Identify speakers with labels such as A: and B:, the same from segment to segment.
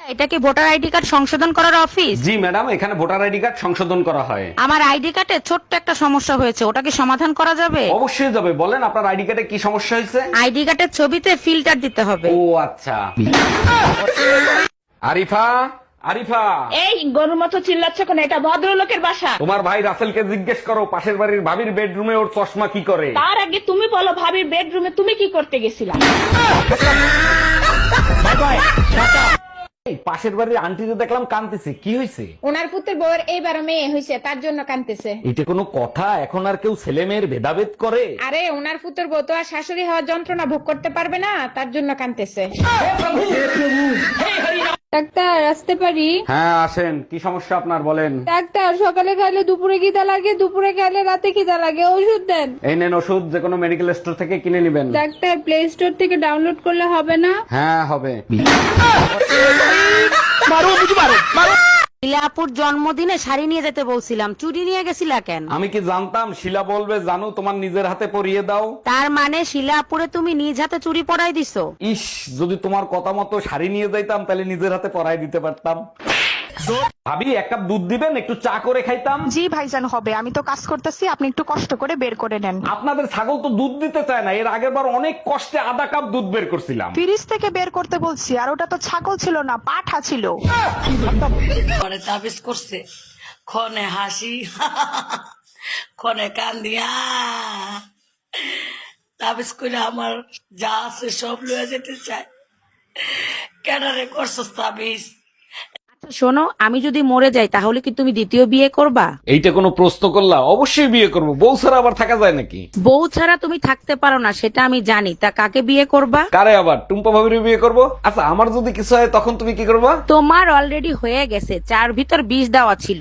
A: এটা কি voter ID card সংশোধন করার অফিস?
B: জি ম্যাডাম, এখানে ভোটার আইডি কার্ড সংশোধন করা হয়।
A: আমার আইডি কার্ডে ছোট্ট একটা সমস্যা হয়েছে, ওটা কি সমাধান করা যাবে?
B: অবশ্যই যাবে, বলেন আপনার আইডি কার্ডে কি সমস্যা হয়েছে?
A: আইডি কার্ডের ছবিতে ফিল্টার দিতে হবে।
B: ও আচ্ছা। আরিফা, আরিফা,
C: এই গরুর মতো চিল্লাচ্ছ কেন? এটা ভদ্রলোকের বাসা।
B: তোমার ভাই রাসেলকে জিজ্ঞেস করো পাশের বাড়ির ভাবির বেডরুমে ওর চশমা কি করে।
C: তার আগে তুমি বলো, ভাবির বেডরুমে তুমি কি করতে গেছিলা?
B: এই পাশের বাড়ির আন্টিকে দেখলাম কাঁদতেছে, কি হয়েছে?
D: ওনার পুত্রের বউয়ের এইবার মেয়ে হয়েছে, তার জন্য কাঁদতেছে।
B: এটা কোনো কথা? এখন আর কেউ ছেলে মেয়ের ভেদাভেদ করে?
D: আরে ওনার পুত্রের বউ তো আর শাশুড়ি হওয়ার যন্ত্রণা ভোগ করতে পারবে না, তার জন্য কাঁদতেছে। ডাক্তার আসতে পারি?
B: হ্যাঁ আসেন, কি সমস্যা আপনার বলেন।
D: ডাক্তার সকালে খাইলে দুপুরে খিদা লাগে, দুপুরে খাইলে রাতে খিদা লাগে, ওষুধ দেন।
B: এই নেন ওষুধ, যে কোনো মেডিকেল স্টোর থেকে কিনে নেবেন।
D: ডাক্তার প্লে স্টোর থেকে ডাউনলোড করলে হবে না?
B: হ্যাঁ হবে।
A: শিলাপুর জন্মদিনে শাড়ি নিয়ে যেতে বলছিলাম, চুরি নিয়ে গেছিলা কেন?
B: আমি কি জানতাম শিলা বলবে জানু তোমার নিজের হাতে পরিয়ে দাও।
A: তার মানে শিলাপুরে তুমি নিজ হাতে চুরি পরাই দিছো?
B: ইস, যদি তোমার কথা মতো শাড়ি নিয়ে যাইতাম তাহলে নিজের হাতে পরাই দিতে পারতাম। ভাবি এক কাপ দুধ দিবেন, একটু চা করে খাইতাম।
E: জি ভাইজান হবে, আমি তো কাজ করতেছি, আপনি একটু কষ্ট করে বের করে নেন।
B: আপনাদের ছাগল তো দুধ দিতে চায় না, এর আগের বার অনেক কষ্টে আধা কাপ দুধ বের করছিলাম।
E: ফ্রিজ থেকে বের করতে বলছি, আর ওটা তো ছাগল ছিল না, পাঠা ছিল।
F: পরে তাবিজ করছে, ক্ষণে হাসি ক্ষণে কান্দিয়া তাবিজ করে আমার যা আছে সব লয়ে যেতে চায়। কেডারে করছস তাবিজ?
A: শোনো, আমি যদি মরে যাই তাহলে কি তুমি দ্বিতীয় বিয়ে করবা?
B: এইটা কোনো প্রশ্ন করলা? অবশ্যই বিয়ে করবো, বউ ছাড়া আবার থাকা যায় নাকি?
A: বউ ছাড়া তুমি থাকতে পারো না সেটা আমি জানি, তা কাকে বিয়ে করবা?
B: কারে আবার? টুম্পা ভাবির বিয়ে করবো। আচ্ছা আমার যদি কিছু হয় তখন তুমি কি করবা?
A: তোমার অলরেডি হয়ে গেছে, চার ভিতর 20 দেওয়া ছিল।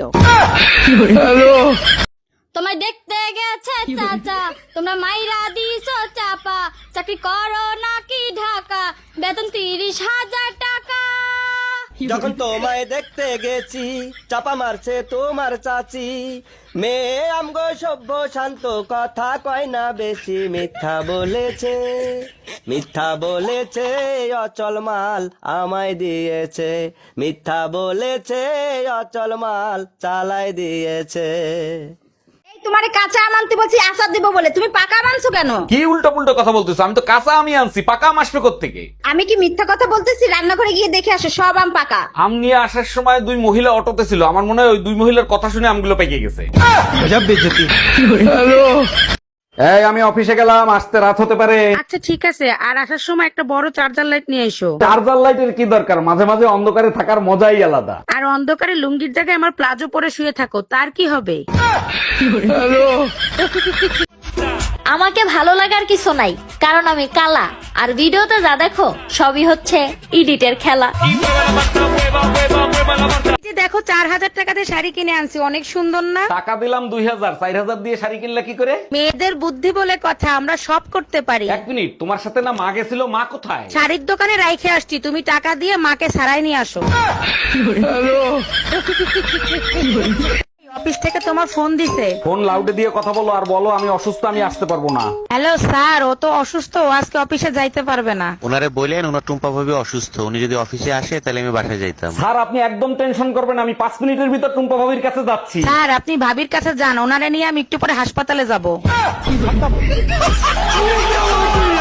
G: তোমায় দেখতে গেছে চাচা, তোমরা মাইরা দিছো চাপা, চাকরি করো নাকি ঢাকা, বেতন 30,000 টাকা।
H: যখন তোমায় দেখতে গেছি চাপা মারছে তোমার চাচি, মেয়ে আমগো সভ্য শান্ত, কথা কয় না বেশি, মিথ্যা বলেছে, মিথ্যা বলেছে, অচল মাল আমায় দিয়েছে, মিথ্যা বলেছে, অচল মাল চালাই দিয়েছে।
D: তোমারে কাঁচা আম আনতে বলছি আচার দিব বলে, তুমি পাকা আম আনছো কেন?
B: কি উল্টো পুল্টো কথা বলতেছো? আমি তো কাঁচা আমি আনছি, পাকা আম আসবে কোত্থেকে?
D: আমি কি মিথ্যা কথা বলতেছি? রান্নাঘরে গিয়ে দেখে আসো, সব আম পাকা।
B: আম নিয়ে আসার সময় দুই মহিলা অটোতে ছিল, আমার মনে হয় ওই দুই মহিলার কথা শুনে আমগুলো পেকে গেছে। এই আমি অফিসে গেলাম, আসতে রাত হতে পারে।
A: আচ্ছা ঠিক আছে, আর আসার সময় একটা বড় চার্জার লাইট নিয়ে এসো।
B: চার্জার লাইটের কি দরকার? মাঝে মাঝে অন্ধকারে থাকার মজাই আলাদা।
A: আর অন্ধকারে লুঙ্গির জায়গায় আমার প্লাজো পরে শুয়ে থাকো, তার কি হবে?
G: আমাকে ভালো লাগার কিছু নাই, কারণ আমি কালা, আর ভিডিওতে যা দেখো সবই হচ্ছে এডিটের খেলা।
A: এই যে দেখো 4,000 টাকা দিয়ে শাড়ি কিনে আনছি, অনেক সুন্দর না?
B: টাকা দিলাম 2,000, 4,000 দিয়ে শাড়ি কিনলা কি করে?
A: মেয়েদের বুদ্ধি বলে কথা, আমরা সব করতে পারি।
B: এক মিনিট, তোমার সাথে না মা গেছিল, মা কোথায়?
A: শাড়ির দোকানে রাইখে আসছি, তুমি টাকা দিয়ে মাকে সারাই নিয়ে আসো। অফিস থেকে তোমার ফোন দিছে।
B: ফোন লাউডে দিয়ে কথা বলো, আর বলো আমি অসুস্থ, আমি আসতে পারবো না।
A: হ্যালো স্যার, ও তো অসুস্থ, ও আজকে অফিসে যাইতে পারবে না।
I: ওনারে বললেন ওনার টুম্পা ভাবি অসুস্থ, উনি যদি অফিসে আসে তাহলে আমি বাসায় যাইতাম।
B: স্যার আপনি একদম টেনশন করবেন, আমি 5 মিনিটের ভিতর টুম্পা ভাবির কাছে যাচ্ছি।
A: স্যার আপনি ভাবির কাছে যান, ওনারে নিয়ে আমি একটু পরে হাসপাতালে যাব।